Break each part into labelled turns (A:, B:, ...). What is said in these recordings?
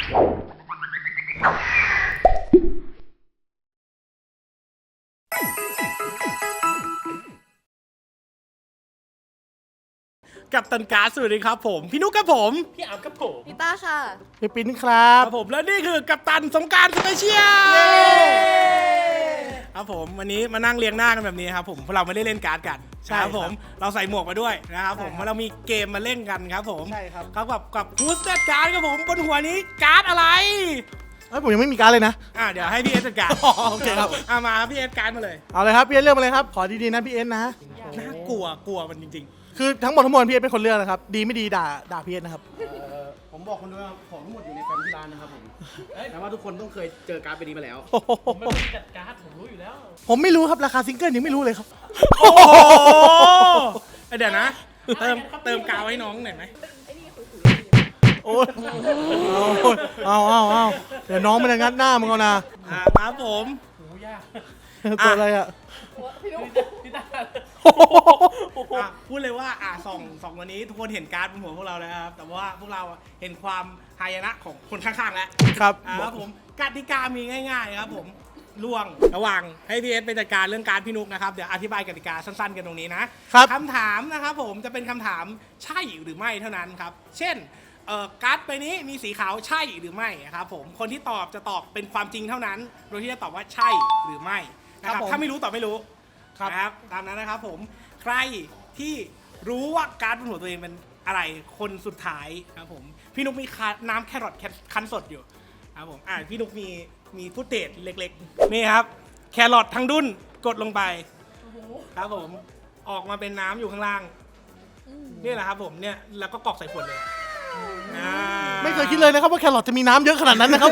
A: กับตันการ์ดสวัสดีครับผมพี่นุ๊กครับผมพี่อาร์มครับผม
B: พี่ต้าค่ะ
C: พี่ปิ้นครับ
A: ผมและนี่คือกัปตันสงกรานต์สเปเชียลครับผมวันนี้มานั่งเรียงหน้ากันแบบนี้ครับผมเพราะเราไม่ได้เล่นการ์ดกันครับผมเราใส่หมวกมาด้วยนะครับผมเพราะเรามีเกมมาเล่นกันครับผมครับกับฮูสเตดการ์ดครับผมบนหัวนี้การ์ดอะไร
C: ผมยังไม่มีการ์ดเลยนะ
A: เดี๋ยวให้พี่เอสจัดการ
C: โอเคครับ
A: มาพี่เอสการ์ดมาเลย
C: เอาเลยครับพี่เอสเลือกมาเลยครับขอดีๆนะพี่เอสนะ
A: น่ากลัวมันจริง
C: ๆคือทั้งหมดทั้งมวลพี่เอสเป็นคนเลือกนะครับดีไม่ดีด่าพี่เอสนะครับ
D: ผมบอกคนด้วยว่าของทั้งหมดอยู่ในแฟ้มที่ร้านนะครับผมแต่ว่าทุกคนต้องเคยเจอการ์ดใบนี้มาแล้ว
A: ผมไม่ได้จัดการ์ดผมรู้อยู่แล้ว
C: ผมไม่รู้ครับราคาซิงเกิลยังไม่รู้เลยครับ
A: โอ้โหเดี๋ยวนะเติมกาวให้น้องหน่อยไหม
C: โอ้เอาเดี๋ยวน้องมันจะงัดหน้ามึงเอานะครับ
A: ผม
C: โหยากตัวอะไรอ่ะ
A: พี่ตาพูดเลยว่าสองวันนี้ทุกคนเห็นการ์ดบนหัวพวกเราแล้วครับแต่ว่าพวกเราเห็นความหายนะของคนข้างๆแล้วครับผมกติกามีง่ายๆครับผมล่วงระหว่างให้พี่เอสไปจัดการเรื่องการพี่นุกนะครับเดี๋ยวอธิบายกติกาสั้นๆกันตรงนี้นะคำถามนะครับผมจะเป็นคำถามใช่หรือไม่เท่านั้นครับเช่นการ์ดใบนี้มีสีขาวใช่หรือไม่ครับผมคนที่ตอบจะตอบเป็นความจริงเท่านั้นโดยที่จะตอบว่าใช่หรือไม่นะครับถ้าไม่รู้ตอบไม่รู้ครับตามนั้นนะครับผมใครที่รู้ว่าการ์ดบนหัวตัวเองเป็นอะไรคนสุดท้ายครับผมพี่นุกมีน้ำแครอทคั้นสดอยู่ครับผมพี่นุกมีฟุตเทจเล็กๆนี่ครับแครอททั้งดุ้นกดลงไปครับผมออกมาเป็นน้ำอยู่ข้างล่างนี่แหละครับผมเนี่ยแล้วก็กรอกใส่ขวดเลย
C: ไม่เคยคิดเลยนะครับว่าแครอทจะมีน้ำเยอะขนาดนั้นนะครับ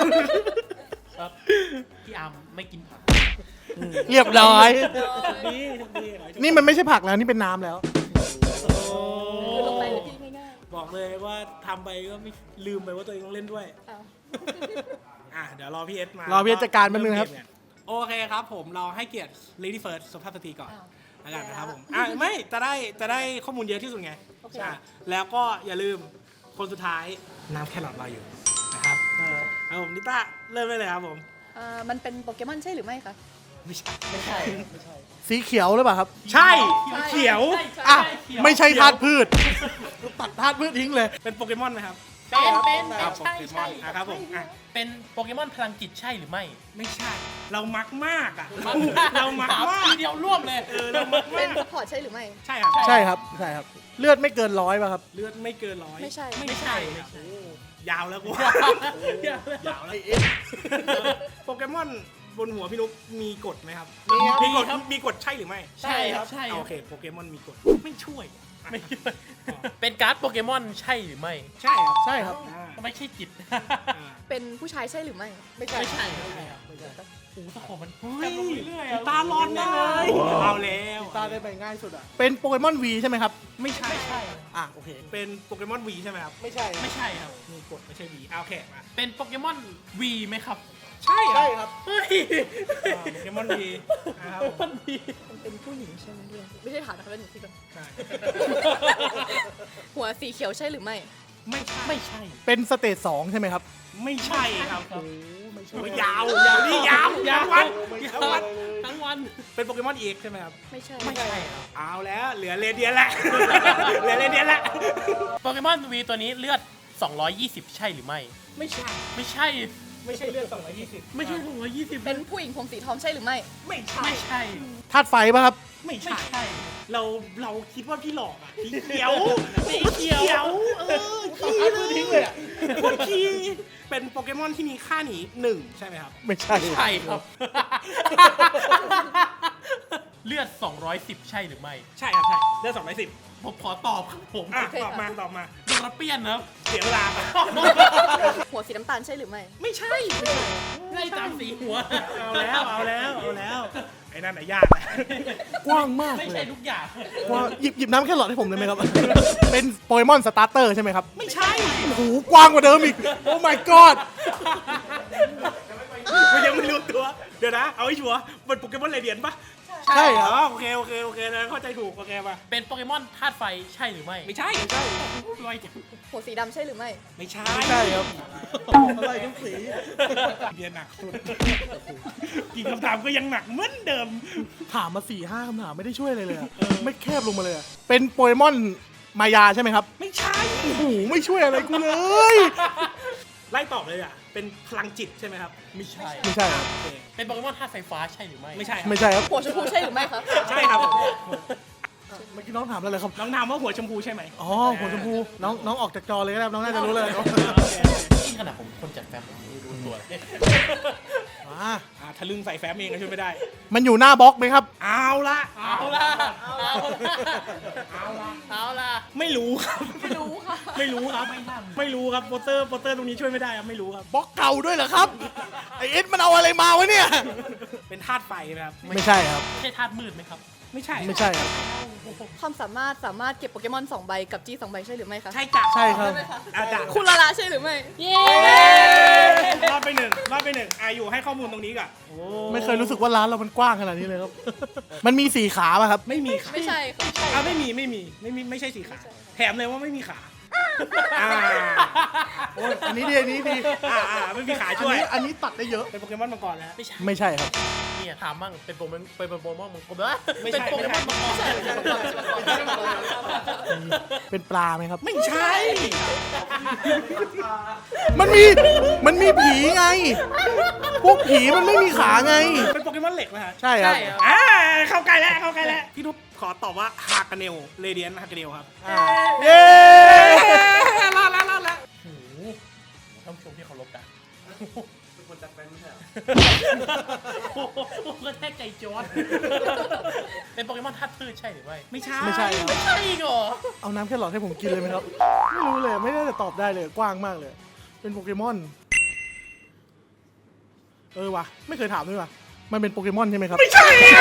A: พี่อาร์มไม่กินผัก
C: เรียบร้อยนี่มันไม่ใช่ผักแล้วนี่เป็นน้ำแล้ว
B: ลงไปเลยพี่ง่าย
A: บอกเลยว่าทำไปก็ไม่ลืมไปว่าตัวเองต้องเล่นด้วยเดี๋ยวรอพี่เอสมาร
C: อพี่เอสจัดการแป๊บนึงครับ
A: โอเคครับผมเราให้เกียรติ Lady First สุภาพสตรีก่อนแล้วกันนะครับผมไม่จะได้ข้อมูลเยอะที่สุดไงแล้วก็อย่าลืมคนสุดท้ายน้ำแครอทเราอยู่นะครับผมนิต้าเริ่มได้เลยครับผม
B: มันเป็นโปเกมอนใช่หรือไม่คะ
A: ไม่ใช่
C: สีเขียวหรือเปล่าครับ
A: ใช่เขียว
C: ไม่ใช่ธาตุพืชตัดธาตุพืชทิ้งเลย
A: เป็นโปเกมอนไหมครับ
E: เป็นใช่
A: ครับผม
E: เป็นโปเกมอนพลังจิตใช่หรือไม่
A: ไม่ใช่เรามักมากเรามักมาก
E: ทีเดียวร่วมเลย
A: เรามักมาก
B: เป็นซัพพอร์ตใช่หรือไม่
A: ใช่ครับ
C: ใช่ครับเลือดไม่เกิน100ป่ะครับ
A: เลือดไม่เกิน100
B: ไม่ใช่
A: ยาวแล้วกูยาวแล้วโปเกมอนบนหัวพี่นุ๊กมีกฎไหมครับมีกฎใช่หรือไม่
E: ใช่ครับใช่
A: โอเคโปเกมอนมีกฎไม่ช่วย
E: เป็นการ์ดโปเกมอนใช่หรือไม่
A: ใช่
C: ครับ
E: ไม่ใช่จิต
B: เป็นผู้ชายใช่หรือไม่
E: ไม่ใช่ครับโอ้โหมัน
A: เรื่อยตาร้อนได้เลยเอาแล้ว
C: ตาได้ไปง่ายสุดเป็นโปเกมอนวีใช่ไหมครับ
A: ไม่ใช่
C: โอเค
A: เป็นโปเกมอนวีใช่ไหมครับ
C: ไม่ใช่
E: ครับ
A: มีกฎไม่ใช่วีโอเคมา
E: เป็นโปเกมอนวีไหมครับ
A: ใช่
C: ครับ
A: โปเกมอนวีนะครับ
B: มันเป็นผู้หญิงใช่ไหมไม่ใช่ถามนะครับเป็นหนูที่ก่อนหัวสีเขียวใช่หรือไม่
E: ไม่ใช่
C: เป็นสเตจ2ใช่ไหมครับ
A: ไม่ใช่ครับ
C: ไม่ใช่
A: ยาวนี่ยาวทั้งวันเป็นโปเกมอนเอกใช่ไหมครับ
B: ไม่ใช่
E: ครับ
A: เอาแล้วเหลือเรเดียนละ
E: โปเกมอนวีตัวนี้เลือด220ใช่หรือไม่
A: ไม่ใช่เลือด220
E: ไม่ใช่220
B: เป็นผู้หญิงผมสีทองใช่หรือไม่
A: ไม่ใช่
C: ธาตุไฟป่ะครับ
A: ไม่ใช่เราคิดว่าพี่หลอกสีเขียวขี้
C: ทิ้งเลย
A: ขี้เป็นโปเกมอนที่มีค่าหนี1ใช่ไหมครับ
C: ไม่ใช่
E: ครับเลือด210ใช่หรือไม่
A: ใช่ครับใช่เลือด210
E: ผมขอตอบครับผม
A: ตอบมาโ
E: ดราเปียนครับ
A: เสียเวลา
B: หัวสีน้ำตาลใช่หรือไม่
A: ไม่ใช่
E: ไล่ตามสีหัว
A: เอาแล้วไอ้นั่นยากเลย
C: กว้างมาก
E: ไม่ใช่ทุกอย่าง
C: หยิบน้ำแค่หลอดให้ผมเลยไหมครับเป็นโปเกมอนสตาร์เตอร์ใช่ไหมครับ
A: ไม่ใช่
C: โอ้โหกว้างกว่าเดิมอีกโอ้ my god
A: ยังไม่รู้ตัวเดี๋ยวนะเอาให้ชัวร์เป็นโปเกมอนเรเดียนปะ
C: ใช่ครับ
A: อ๋อโอเคเลยเข้าใจถูกโอเคป่ะ
E: เป็นโปเกมอนธาตุไฟใช่หรือไม่
A: ไม่ใช่ไวจัง
B: หัวสีดำใช่หรือไม่
A: ไม่ใช่
C: ไม่ใช่ครับอะไรทุกสี
A: เรียนหนักสุดกี่คำถามก็ยังหนักเหมือนเดิม
C: ถามมา4-5 คำถามไม่ได้ช่วยอะไรเลยอะไม่แคบลงมาเลยอะเป็นโปเกมอนมายาใช่ไหมครับ
A: ไม่ใช่
C: โอ้โหไม่ช่วยอะไรกูเลย
A: ไล่ตอบเลยอ่ะเป็นพลังจิตใช่ไหมครับ
E: ไม่ใช่
C: ไม่ใช่ครับ
A: โอเค
E: เป็นโปเกมอนธาตุไฟฟ้าใช่หรือไม่
A: ไม่ใช่ครับ
C: ไม่ใช่ครับ
B: หัวชมพูใช่หรือไม่คะ
A: ใช่ครับ
C: เมื่อกี้น้องถามแล้วเลยครับ
A: น้องถามว่าหัวชมพูใช่ไหม
C: อ๋อหัวชมพูน้องออกจากจอเลยก็ได้น้องน่าจะรู้เลย
E: นี่ขนาดผมคนจัดแฟมผมไม่รู้ตัวเลย
C: อ่า
A: ทะลึ่งใส่แฟ้มเองก็ช่วยไม่ได้
C: มันอยู่หน้าบล็อกไหมครับ
A: เอาละ
E: เอาละเอาละ
A: ไม่รู้ครับ
B: ไม่รู้ค่ะ
A: ไม่รู้ครับไม่รู้ครับโปสเตอร์ตรงนี้ช่วยไม่ได้ครับไม่รู้ครับ
C: บล็อกเก่าด้วยเหรอครับไอเอ็ดมันเอาอะไรมาวะเนี่ย
A: เป็นธาตุไฟนะครับ
C: ไม่ใช่ครับ
E: ใช่ธาตุมืดไหมครับ
A: ไม่ใช่
C: ไม่ใช่ครับ
B: ความสามารถเก็บโปเกมอน2 ใบกับจี้2 ใบใช่หรือไม่คะ
A: ใช่จ้ะ
C: ใช่ครับ
A: อาจารย์
B: คุณลาลาใช่หรือไม่
E: เย้
A: รอดไปหนึ่งอยู่ให้ข้อมูลตรงนี้ก่อน
C: ไม่เคยรู้สึกว่าร้านเรามันกว้างขนาดนี้เลยครับ มันมี4 ขาป่ะครับ
A: ไม่มีขา
B: ไม่ใช่ค่ะ
A: ไม่ใช่สีขาแถมเลยว่าไม่มีขาอ่า
C: โอ้ยอันนี้ดีไม่มีขา
A: ช่วย
C: อันนี้ตัดได้เยอะ
A: เป็นโปเกมอนมังกรแล้ว
E: ไม่ใช่
C: ไม่ใช่ครับ
E: เนี่ยถามมั่งเป็นโปเกมอนมังกร
A: ไม่ใช่
E: เป็นโปเกมอนมังกร
C: เป็นปลาไหมครับ
A: ไม่ใช่
C: มันมีผีไง พวกผีมันไม่มีขาไง
A: เป็นโปเกมอนเหล็กนะฮะ
C: ใช่ครับ
A: เข้าใกล้แล้วพี่ทุบขอตอบว่าฮากาเนลเรเดียนฮากาเนลครับ
C: เย้
A: รอดแล้ว
E: โอ้โหท่านผู้ชมที่เคารพกัน
D: เป็นคนจัดแฟนไม่ใช่เหรอ
E: โอ้โหกระแทกใจจอร์ดเป็นโปเกมอนธาตุพืชใช่หรือไม่
A: ไม่ใช่
C: ไม่ใช่ครับ
E: ไม่ใช่อีกเหรอ
C: เอาน้ำแครอทให้ผมกินเลยไหมครับ ไม่รู้เลย ไม่ได้จะตอบได้เลย กว้างมากเลย เป็นโปเกมอน วะไม่เคยถามด้วยวะมันเป็นโปเกมอนใช่ไหมครับ
A: ไม่ใช่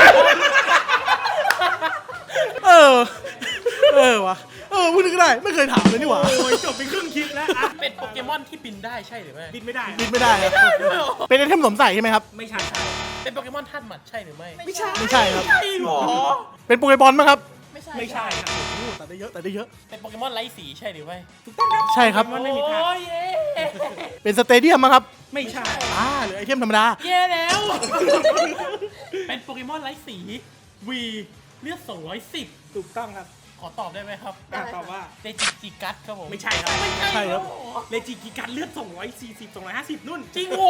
C: วะพูดถึงก็ได้ ไม่เคยถามเลยนี่หว่า
A: โอ้ยจบไปครึ่งคลิปแล้ว
E: เป็นโปเกมอนที่บินได้ใช่หรือไม่
A: บินไม่ได้
C: บินไม่ได้ครับ เป็นไอเทมสวมใส่ใช่ไหมครับ
A: ไม่ใช่
E: เป็นโปเกมอนธาตุหมัดใช่หรือไม่
A: ไม่ใช่
C: ไม่ใช่ครับ
E: ใช่หรอ
C: เป็นโปเกมอนไหมครับ
B: ไม่ใช่
A: ไม่ใช่ครับ
C: โอ้ตัดได้เยอะ
E: เป็นโปเกมอนไร้สีใช่หรือไม่
A: ถูกต้องครับ
C: ใช่ครับ
A: มันไม่มีทาง
E: โอ้ยเย้
C: เป็นสเตเดียมมั้งครับ
A: ไม่ใช่
C: หรือไอเทมธรรมดา
E: เย้แล้ว เป็นโปเกมอนไร้สีวีเลือด210
A: ถูกต้องครับ
E: ขอตอบได้ไหมครับ
A: ตอบว่า
E: เดจิจิกัสครับผม
A: ไม่ใช่ครับ
E: ไม่ใช่
C: ใช่ครับ
E: เหอ
A: เลจิกิการเลือด240 250นุ่น
E: จริงโห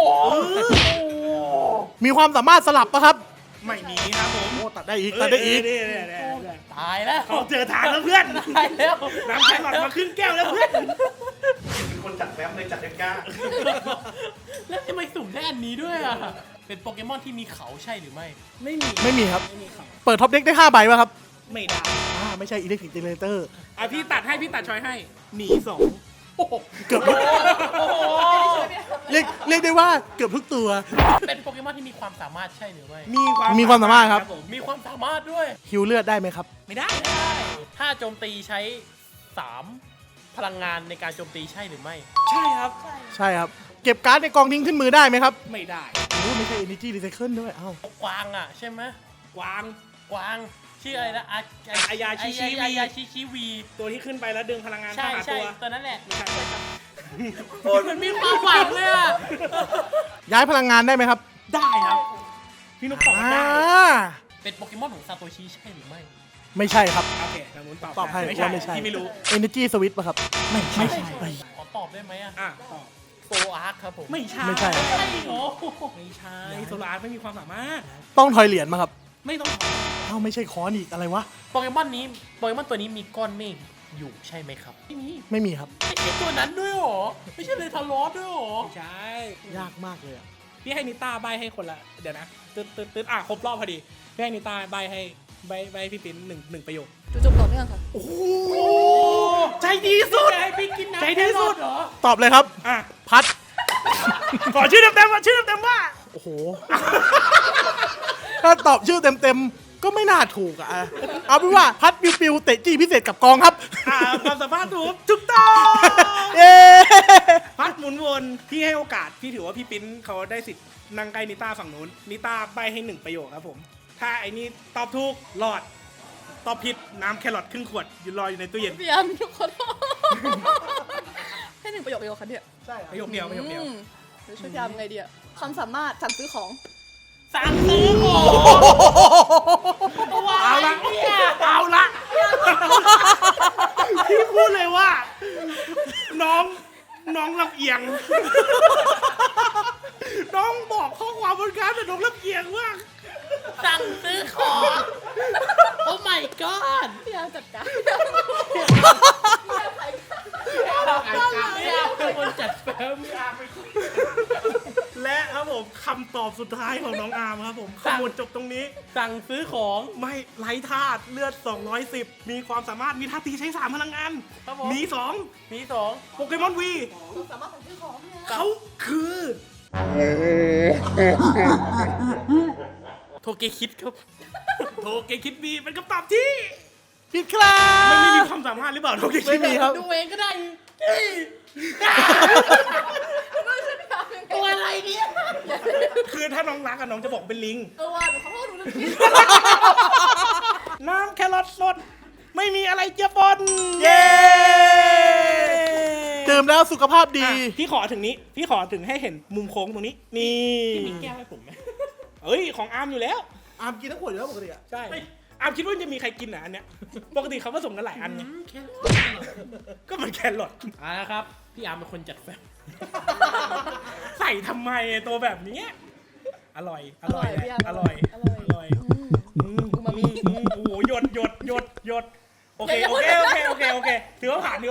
C: มีความสามารถสลับปะครับ
A: ไม่มีครับผม
C: โอ้ตัดได้อีก ตัดได้อีก
E: ตายแล้ว
A: เขาเจอทางแล้วเพื่อน
E: ตายแล้ว
A: น้ำแข็งหลอดมาครึ่งแก้วแล้วเพื่อน
D: เป็นคนจัดแฟมเลยจัดกล้า
E: แล้วทำไมสุ่มได้อันนี้ด้วยอ่ะ เป็นโปเกมอนที่มีเขาใช่หรือไม่
A: ไม่มี
C: ไม่มีครับ
A: ไม่มีเขา
C: เปิดท็อปเด็กได้5 ใบป่ะครับ
A: ไม่ได้
C: ไม่ใช่อิเล็กทริกเจเนเรเตอร์
A: พี่ตัดชอยให้หนี2
E: โอ้โห
C: เกือบ
E: โอ้โห
C: เรียกได้ว่าเกือบทุกตัว
E: เป็นโปเกมอนที่มีความสามารถใช่หรือไม่
C: มีความสามารถครับ
A: ผม
E: มีความสามารถด้วย
C: ฮิวเลือดได้ไหมครับ
A: ไม่ได้
E: ถ้าโจมตีใช้ 3 พลังงานในการโจมตีใช่หรือไม่
A: ใช่ครับ
C: ใช่ครับ เก็บการ์ดในกองทิ้งขึ้นมือได้ไหมครับ
A: ไม่ได้
C: โอ้ไม่ใช่ Energy Recycle ด้วยอ้าว
E: กวางอ่ะใช่ไหม
A: กวาง
E: กวางชื่ออะไรนะ
A: อายาชิชิวี
E: อายาชิชิวี
A: ตัวที่ขึ้นไปแล้วดึงพลังงาน
E: ใช่
A: เข้าหา
E: ใช่
A: ตัว
E: ตัวนั้นแหละ
A: ไม่ใช่ครับ
E: โอ้ยมันมีความหวังเลยอ่ะ
C: ย้ายพลังงานได้ไหมครับ
A: ได้ครับ พี่นุ๊กตอบ
C: อ่า
A: ได้
E: เป็นโปเกมอนของซาโตชิใช่หรือไม่
C: ไม่ใช่ครับ
A: โอเคทางนู้นตอบ
C: ตอบให้
A: ไม่
C: ว่าไม่
A: ใช่
C: ใช่
A: พี่ไม่รู้
C: Energy Switch ป่ะครับ ไม่ใช่
E: ขอตอบได้ไหมอ่ะ
A: ตอบ
E: โฟอาร์คครับผม
A: ไม่ใช่
C: ไม่ใช่
E: ใช่เหรอ
A: ไม่ใช่โซลาร์ไม่มีความสามารถ
C: ต้องทอยเหรียญมาครับ
A: ไม่ต้อง
C: อ้าวไม่ใช่ค้อนอีกอะไรวะ
E: โปเกมอนตัวนี้มีก้อนเมฆอยู่ใช่ไหมครับ
A: ไม่มี
C: ไม่มีครับ
E: ไม่ใช่ตัวนั้นด้วยเหรอ ไม่ใช่เลยทารอสด้วยเหรอ
A: ไม่ใช่
C: ยากมากเลยอะ
A: พี่ให้นิต้าใบให้คนละเดี๋ยวนะตึ๊ดครบรอบพอดีพี่ให้นิต้าใบให้ใบพี่ปิ้นหนึ่งประโยค
B: จุจบต่อเนื่องค่ะ
A: โอ้โหใจดีสุด
E: ให้พี่กินน้ำ
A: ใจดีสุด
E: เหรอ
C: ตอบเลยครับ พัด
A: ขอชื่อเต็มๆว่าชื่อเต็มๆว่า
C: โอ้โห ถ้าตอบชื่อเต็มๆ ก็ไม่น่าถูกอะเอาเป็นว่าพัดปิวๆเตะจี้พิเศษกับกองครับ
A: ความสามารถถูกต้อง
C: เย้
A: พัดหมุนวนพี่ให้โอกาสพี่ถือว่าพี่ปิ้นเขาได้สิทธิ์นั่งใกล้นิต้าฝั่งนู้นนิต้าใบให้หนึ่งประโยคครับผมถ้าไอ้นี่ตอบถูกรอด ตอบผิดน้ำแครอทครึ่งขวดยืนรออยู่ในตู้เย็น
B: พี่อาร์มทุกคนให้1 ประโยคเดียวค่ะเนี่ย
C: ใช่
A: ประโยคเดียวประโยคเดียว
B: หรือช่วยพี่อาร์มไงดีอะความสามารถสั่งซื้อของ
E: สั่งซื้อของ
A: เอาละเอาละพี่พูดเลยว่า น้องลำเอียง น้องบอกข้อความบนการ์ดแต่น้องลำเอียงมาก
E: สั่งซื้อของ โอ้ my god
B: พี่อาร์มจัดการ
E: ไม่เอาเป็นคนจัดแฟ้ม
A: และครับผมคำตอบสุดท้ายของน้องอาร์มครับผมขมวดจบตรงนี้
E: สั่งซื้อของ
A: ไม่ไร้ธาตุเลือด 210 มีความสามารถมีท่าตีใช้ 3 พลังงาน
E: ครับผม
A: มี
E: มีสอง
A: 2 โปเกมอนวี
B: ความสามารถสั่งซื้อของเนี่ย
A: เขาคือ
E: โทเกคิดครับ
A: โทเกคิดวีเป็นคำตอบที่
C: ผิดครับ
A: มันไม่มีความสามารถหรือเปล่าโทเกคิ
C: ไม่
A: ด
C: มี
A: วี
C: ครับ
E: ดูเองก็ได้ ตัวอะไรเนี่ย
A: คือถ้าน้องรักอะน้องจะบอกเป็นลิง
B: ว่าหนูขอโทษหนูลืมคิด
A: น้ำแครอทสด ไม่มีอะไรเจือปน
C: เย้ ดื่มแล้วสุขภาพดี
A: อ่ะพี่ขอถึงนี้ พี่ขอถึงให้เห็นมุมโค้งตรงนี้ นี่
E: พี่มีแก้วให้ผมไหม
A: เอ้ย ของอาร์มอยู่แล้ว
C: อาร์มกินทั้งขวดอยู่แล้วปกติอะ
A: ใช่ อาร์มคิดว่าจะมีใครกินอ่ะอันเนี้ย ปกติเขาผสมกันหลายอันไง
E: แค่
A: ก็เหมือนแครอท
E: อ่านะครับ พี่อาร์มเป็นคนจัดแฟ้ม
A: ใส่ทำไมไอ้ตัวแบบเนี้ยอร่อย อร่อยแหละ
B: พี่อาร์ม
A: อร่อย
B: อร่อย
A: อร่อยอูมามิโอ้โหหยดโอเค โอเค ถือว่าผ่าน
E: พี่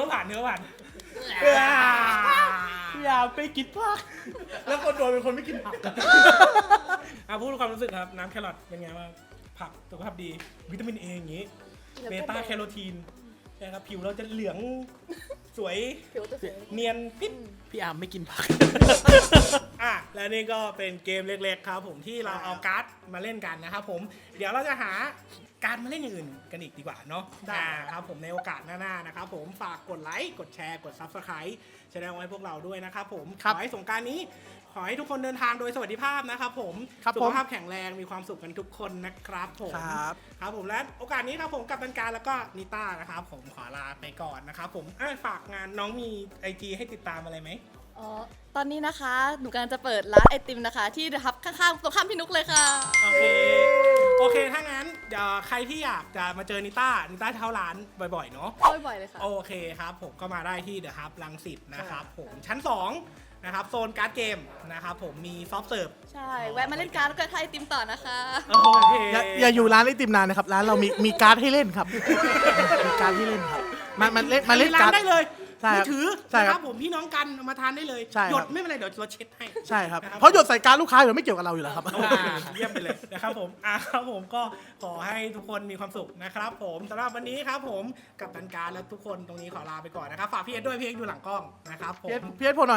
E: อาร์มไปกินผัก
C: แล้วคนโดนเป็นคนไม่กินผักอะ
A: พูดความรู้สึกครับ น้ำแครอทเป็นไงบ้างผักสุขภาพดี วิตามินเออย่างงี้ เบต้าแคโรทีนใช่ครับ ผิวเราจะเหลืองสวย
B: ผิวจะสวย
A: เนียนปิ๊ด
E: พี่อาร์มไม่กินผัก
A: และนี่ก็เป็นเกมเล็กๆครับผมที่เราเอาการ์ดมาเล่นกันนะครับผม เดี๋ยวเราจะหาการ์ดมาเล่นอย่างอื่นกันอีกดีกว่าเนาะครับผมในโอกาสหน้าๆนะครับผมฝากกดไลค์กดแชร์กด Subscribe แสดงไว้พวกเราด้วยนะครับผมขอให้สงกรานต์นี้ ขอให้ทุกคนเดินทางโดยสวัสดิภาพนะครับผมสุขภาพแข็งแรงมีความสุขกันทุกคนนะครับผม ครับผมและโอกาสนี้ครับผมกับตันการแล้วก็นิต้านะครับผมขอลาไปก่อนนะครับผมฝากงานน้องมี IG ให้ติดตามอะไรไหม
B: อ๋อ ตอนนี้นะคะ หนูกำลังจะเปิดร้านไอติมนะคะ ที่เดอะฮับข้างๆตรงข้ามพี่นุกเลยค่ะ
A: โอเคถ้างั้นเดี๋ยวใครที่อยากจะมาเจอนิต้าเช่าร้านบ่อยๆเนาะ
B: เข้าบ่อยๆเลยค่ะ
A: โอเคครับผมก็มาได้ที่เดอะฮับรังสิตนะครับผมชั้น2นะครับโซนการ์ดเกมนะครับผมมีซอฟต์เสิร์ฟ
B: ใช่ แวะมาเล่นการ์ดแล้วก็ทายไอติมต่อนะคะ
A: โอเค
C: อย่าอยู่ร้านไอติมนานนะครับ ร้านเรามีการ์ดให้เล่นครับ มีการ์ดให้เล่นครับ มาเล่น
A: ร้า
C: การ์ด
A: นได้เลย
C: ใช่ครับ
A: มือถือ
C: ใช่
A: นะ
C: ค
A: ค
C: รั
A: รับ บผมพี่น้องกันเอามาทานได้เลย
C: ใช่ครับ
A: หยดไม่เป็นไรเดี๋ยวเราเช็ดให้
C: ใช่ครับ
A: นะครับ
C: เพราะหยดใส่การ์ดลูกค้าเดี๋ยวไม่เกี่ยวกับเราอยู่แล้วครับ
A: โอเคเยี่ยมไปเลยนะครับผมครับผมก็ขอให้ทุกคนมีความสุขนะครับผมสำหรับวันนี้ครับผมกับตันการและทุกคนตรงนี้ขอลาไปก่อนนะครับฝากพี่เอ็ดด้วยพี่เอ็ดอยู่หลังกล้องนะครับผม
C: เพียรโพหน่อย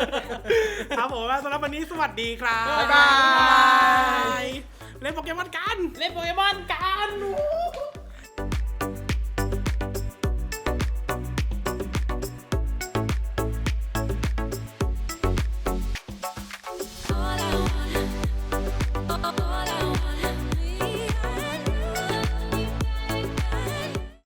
A: ครับผมสำหรับวันนี้สวัสดีครับ
C: บ๊ายบาย
A: เล่นโปเกมอนกัน